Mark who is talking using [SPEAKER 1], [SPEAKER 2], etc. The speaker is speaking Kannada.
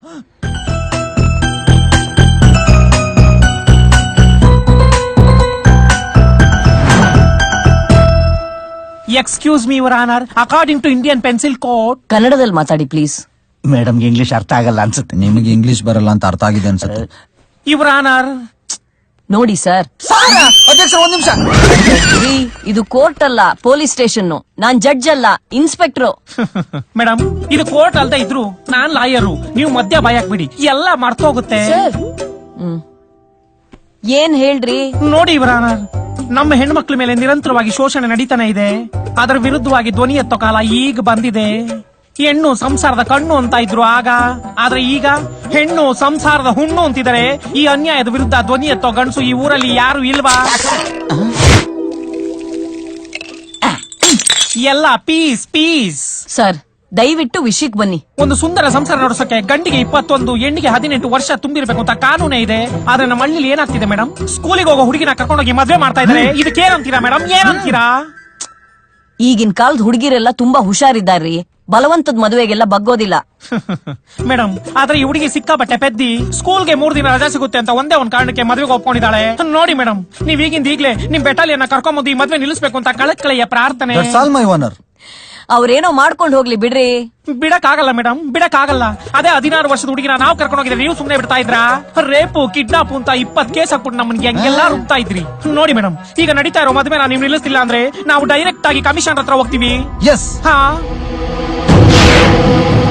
[SPEAKER 1] Excuse me your honour, according to Indian pencil code.
[SPEAKER 2] ಕನ್ನಡದಲ್ಲಿ ಮಾತಾಡಿ ಪ್ಲೀಸ್.
[SPEAKER 3] ಮೇಡಮ್ಗೆ ಇಂಗ್ಲಿಷ್ ಅರ್ಥ ಆಗಲ್ಲ ಅನ್ಸುತ್ತೆ.
[SPEAKER 4] ನಿಮಗೆ ಇಂಗ್ಲಿಷ್ ಬರಲ್ಲ ಅಂತ ಅರ್ಥ ಆಗಿದೆ ಅನ್ಸುತ್ತೆ.
[SPEAKER 1] Your honour.
[SPEAKER 2] ನೋಡಿ ಸರ್,
[SPEAKER 4] ಅಧ್ಯಕ್ಷ ಒಂದ್ ನಿಮಿಷ.
[SPEAKER 2] ಇದು ಕೋರ್ಟ್ ಅಲ್ಲ, ಪೊಲೀಸ್ ಸ್ಟೇಷನ್. ನಾನ್ ಜಡ್ಜ್ ಅಲ್ಲ, ಇನ್ಸ್ಪೆಕ್ಟ್ರು.
[SPEAKER 1] ಮೇಡಮ್, ಇದು ಕೋರ್ಟ್ ಅಲ್ದ ಇದ್ರು ನಾನ್ ಲಾಯರು. ನೀವು ಮಧ್ಯ ಬಾಯಾಕ್ಬಿಡಿ, ಎಲ್ಲ ಮರ್ತೋಗುತ್ತೆ.
[SPEAKER 2] ಏನ್ ಹೇಳ್ರಿ?
[SPEAKER 1] ನೋಡಿ ಯುವರ್ ಆನರ್, ನಮ್ಮ ಹೆಣ್ಮಕ್ಳ ಮೇಲೆ ನಿರಂತರವಾಗಿ ಶೋಷಣೆ ನಡೀತಾನೆ ಇದೆ. ಅದರ ವಿರುದ್ಧವಾಗಿ ಧ್ವನಿ ಎತ್ತೋ ಕಾಲ ಈಗ ಬಂದಿದೆ. ಹೆಣ್ಣು ಸಂಸಾರದ ಕಣ್ಣು ಅಂತ ಇದ್ರು ಆಗ, ಆದ್ರೆ ಈಗ ಹೆಣ್ಣು ಸಂಸಾರದ ಹುಣ್ಣು ಅಂತಿದ್ದಾರೆ. ಈ ಅನ್ಯಾಯದ ವಿರುದ್ಧ ಧ್ವನಿ ಎತ್ತೋ ಗಂಡಸು ಈ ಊರಲ್ಲಿ ಯಾರು ಇಲ್ವಾ? ಎಲ್ಲ ಪೀಸ್ ಪೀಸ್.
[SPEAKER 2] ಸರ್, ದಯವಿಟ್ಟು ವಿಷಯಕ್ಕೆ ಬನ್ನಿ.
[SPEAKER 1] ಒಂದು ಸುಂದರ ಸಂಸಾರ ನಡೆಸೋಕೆ ಗಂಡಿಗೆ 21, ಹೆಣ್ಣಿಗೆ 18 ವರ್ಷ ತುಂಬಿರ್ಬೇಕು ಅಂತ ಕಾನೂನೇ ಇದೆ. ಆದ್ರೆ ನಮ್ಮ ಹಳ್ಳಿಲಿ ಏನಾಗ್ತಿದೆ ಮೇಡಮ್, ಸ್ಕೂಲಿಗೆ ಹೋಗೋ ಹುಡುಗಿನ ಕರ್ಕೊಂಡೋಗಿ ಮದ್ವೆ ಮಾಡ್ತಾ ಇದಾರೆ. ಇದಕ್ಕೇನಂತೀರಾ ಮೇಡಮ್, ಏನಂತೀರಾ?
[SPEAKER 2] ಈಗಿನ ಕಾಲದ ಹುಡುಗಿರೆಲ್ಲ ತುಂಬಾ ಹುಷಾರಿದ್ದಾರ್ರಿ. ಬಲವಂತದ ಮದುವೆಗೆಲ್ಲ ಬಗ್ಗೋದಿಲ್ಲ.
[SPEAKER 1] ಮೇಡಮ್, ಆದ್ರೆ ಈ ಹುಡುಗಿ ಸಿಕ್ಕಾಪಟ್ಟೆ ಪೆದ್ದಿ. ಸ್ಕೂಲ್ಗೆ 3 ದಿನ ರಜಾ ಸಿಗುತ್ತೆ ಅಂತ ಒಂದೇ ಒಂದ್ ಕಾರಣಕ್ಕೆ ಮದ್ವೆಗೆ ಒಪ್ಕೊಂಡಿದ್ದಾಳೆ. ನೋಡಿ ಮೇಡಮ್, ನೀವ್ ಈಗಿಂದ ಈಗ್ಲೇ ನಿಮ್ ಬೆಟಾಲಿಯನ್ನ ಕರ್ಕೊಂಬಂದು ಈ ಮದ್ವೆ ನಿಲ್ಲಿಸಬೇಕು ಅಂತ ಕಳಕಳೆಯ ಪ್ರಾರ್ಥನೆ.
[SPEAKER 2] ಅವ್ರೇನೋ ಮಾಡ್ಕೊಂಡು ಹೋಗ್ಲಿ ಬಿಡ್ರಿ.
[SPEAKER 1] ಬಿಡಕ್ಕಾಗಲ್ಲ ಮೇಡಮ್, ಬಿಡಕ್ಕಾಗಲ್ಲ. ಅದೇ 16 ವರ್ಷದ ಹುಡುಗಿನ ನಾವು ಕರ್ಕೊಂಡು ಹೋಗಿದ್ರೆ ನೀವು ಸುಮ್ನೆ ಬಿಡ್ತಾ ಇದ್ರಾ? ರೇಪು, ಕಿಡ್ನಾಪ್ ಅಂತ 20 ಕೇಸ್ ಹಾಕ್ಬಿಟ್ಟು ನಮ್ಮನ್ಗೆ ಹೆಂಗೆಲ್ಲ ರುಬ್ತಾ ಇದ್ರಿ. ನೋಡಿ ಮೇಡಮ್, ಈಗ ನಡೀತಾ ಇರೋ ಮದ್ವೆ ನೀವು ನಿಲ್ಲಿಸ್ತಿಲ್ಲ ಅಂದ್ರೆ ನಾವು ಡೈರೆಕ್ಟ್ ಆಗಿ ಕಮಿಷನ್ ಹತ್ರ ಹೋಗ್ತೀವಿ.
[SPEAKER 4] ಎಸ್.
[SPEAKER 1] ಹಾ